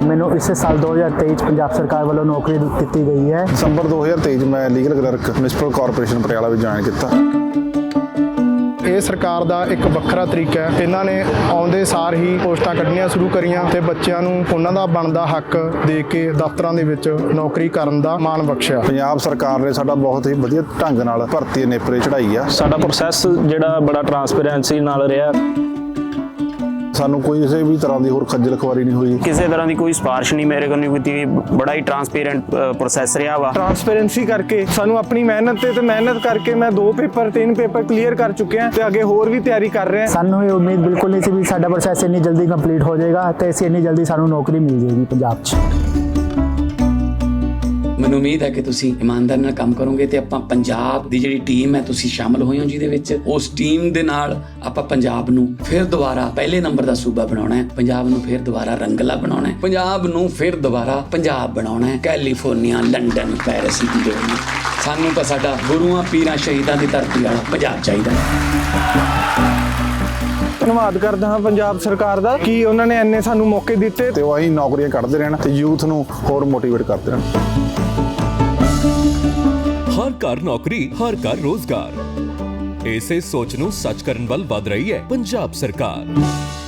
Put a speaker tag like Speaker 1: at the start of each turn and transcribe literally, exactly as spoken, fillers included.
Speaker 1: ਮੈਨੂੰ ਇਸ ਸਾਲ ਦੋ ਹਜ਼ਾਰ ਤੇਈ 'ਚ ਪੰਜਾਬ ਸਰਕਾਰ ਵੱਲੋਂ ਨੌਕਰੀ ਦਿੱਤੀ ਗਈ ਹੈ।
Speaker 2: ਦਸੰਬਰ ਦੋ ਹਜ਼ਾਰ ਤੇਈ 'ਚ ਮੈਂ legal clerk municipal corporation Patiala ਵਿੱਚ ਜੁਆਇਨ ਕੀਤਾ।
Speaker 3: ਇਹ ਸਰਕਾਰ ਦਾ ਇੱਕ ਵੱਖਰਾ ਤਰੀਕਾ ਹੈ। ਇਹਨਾਂ ਨੇ ਆਉਂਦੇ ਸਾਰ ਹੀ ਪੋਸਟਾਂ ਕੱਢਣੀਆਂ ਸ਼ੁਰੂ ਕਰੀਆਂ ਤੇ ਬੱਚਿਆਂ ਨੂੰ ਉਹਨਾਂ ਦਾ ਬਣਦਾ ਹੱਕ ਦੇ ਕੇ ਦਫ਼ਤਰਾਂ ਦੇ ਵਿੱਚ ਨੌਕਰੀ ਕਰਨ ਦਾ ਮਾਣ ਬਖਸ਼ਿਆ।
Speaker 2: ਪੰਜਾਬ ਸਰਕਾਰ ਨੇ ਸਾਡਾ ਬਹੁਤ ਹੀ ਵਧੀਆ ਢੰਗ ਨਾਲ ਭਰਤੀ ਨੇਪਰੇ ਚੜਾਈ ਆ।
Speaker 4: ਸਾਡਾ ਪ੍ਰੋਸੈਸ ਜਿਹੜਾ ਬੜਾ ਟਰਾਂਸਪੇਰੈਂਸੀ ਨਾਲ ਰਿਹਾ।
Speaker 2: ਸਾਨੂੰ ਕੋਈ ਕਿਸੇ ਵੀ ਤਰ੍ਹਾਂ ਦੀ ਹੋਰ ਖੱਜਲ ਖੁਆਰੀ ਨਹੀਂ ਹੋਈ।
Speaker 4: ਕਿਸੇ ਤਰ੍ਹਾਂ ਦੀ ਕੋਈ ਸਿਫਾਰਿਸ਼ ਨਹੀਂ ਮੇਰੇ ਕੋਲ ਨਹੀਂ ਕੀਤੀ। ਬੜਾ ਹੀ ਟਰਾਂਸਪੇਰੈਂਟ ਪ੍ਰੋਸੈਸ ਰਿਹਾ ਵਾ।
Speaker 3: ਟਰਾਂਸਪੇਰੈਂਸੀ ਕਰਕੇ ਸਾਨੂੰ ਆਪਣੀ ਮਿਹਨਤ ਤੇ ਤੇ ਮਿਹਨਤ ਕਰਕੇ ਮੈਂ ਦੋ ਪੇਪਰ ਤਿੰਨ ਪੇਪਰ ਕਲੀਅਰ ਕਰ ਚੁੱਕਿਆ ਤੇ ਅੱਗੇ ਹੋਰ ਵੀ ਤਿਆਰੀ ਕਰ ਰਿਹਾ।
Speaker 1: ਸਾਨੂੰ ਇਹ ਉਮੀਦ ਬਿਲਕੁਲ ਨਹੀਂ ਸੀ ਵੀ ਸਾਡਾ ਪ੍ਰੋਸੈਸ ਇੰਨੀ ਜਲਦੀ ਕੰਪਲੀਟ ਹੋ ਜਾਏਗਾ ਤੇ ਅਸੀਂ ਇੰਨੀ ਜਲਦੀ ਸਾਨੂੰ ਨੌਕਰੀ ਮਿਲ ਜਾਏਗੀ ਪੰਜਾਬ 'ਚ।
Speaker 5: ਮੈਨੂੰ ਉਮੀਦ ਹੈ ਕਿ ਤੁਸੀਂ ਇਮਾਨਦਾਰੀ ਨਾਲ ਕੰਮ ਕਰੋਗੇ ਤੇ ਆਪਾਂ ਪੰਜਾਬ ਦੀ ਜਿਹੜੀ ਟੀਮ ਹੈ ਤੁਸੀਂ ਸ਼ਾਮਲ ਹੋਏ ਹੋ ਜਿਹਦੇ ਵਿੱਚ, ਉਸ ਟੀਮ ਦੇ ਨਾਲ ਆਪਾਂ ਪੰਜਾਬ ਨੂੰ ਫਿਰ ਦੁਬਾਰਾ ਪਹਿਲੇ ਨੰਬਰ ਦਾ ਸੂਬਾ ਬਣਾਉਣਾ ਹੈ। ਪੰਜਾਬ ਨੂੰ ਫਿਰ ਦੁਬਾਰਾ ਰੰਗਲਾ ਬਣਾਉਣਾ ਹੈ। ਪੰਜਾਬ ਨੂੰ ਫਿਰ ਦੁਬਾਰਾ ਪੰਜਾਬ ਬਣਾਉਣਾ ਹੈ। ਕੈਲੀਫੋਰਨੀਆ, ਲੰਡਨ, ਪੈਰਿਸ ਦੀ ਜੋੜੀ। ਸਾਨੂੰ ਤਾਂ ਸਾਡਾ ਗੁਰੂਆਂ ਪੀਰਾਂ ਸ਼ਹੀਦਾਂ ਦੀ ਧਰਤੀ ਵਾਲਾ ਪੰਜਾਬ ਚਾਹੀਦਾ ਹੈ।
Speaker 3: ਧੰਨਵਾਦ ਕਰਦਾ ਹਾਂ ਪੰਜਾਬ ਸਰਕਾਰ ਦਾ ਕਿ ਉਹਨਾਂ ਨੇ ਇੰਨੇ ਸਾਨੂੰ ਮੌਕੇ ਦਿੱਤੇ
Speaker 2: ਤੇ ਉਹ ਅਸੀਂ ਨੌਕਰੀਆਂ ਕੱਢਦੇ ਰਹਿਣ ਤੇ ਯੂਥ ਨੂੰ ਹੋਰ ਮੋਟੀਵੇਟ ਕਰਦੇ ਰਹਿਣ।
Speaker 6: ਹਰ ਘਰ ਨੌਕਰੀ, ਹਰ ਘਰ ਰੋਜ਼ਗਾਰ। ਇਸੇ ਸੋਚ ਨੂੰ ਸੱਚ ਕਰਨ ਵੱਲ ਵਧ ਰਹੀ ਹੈ ਪੰਜਾਬ ਸਰਕਾਰ।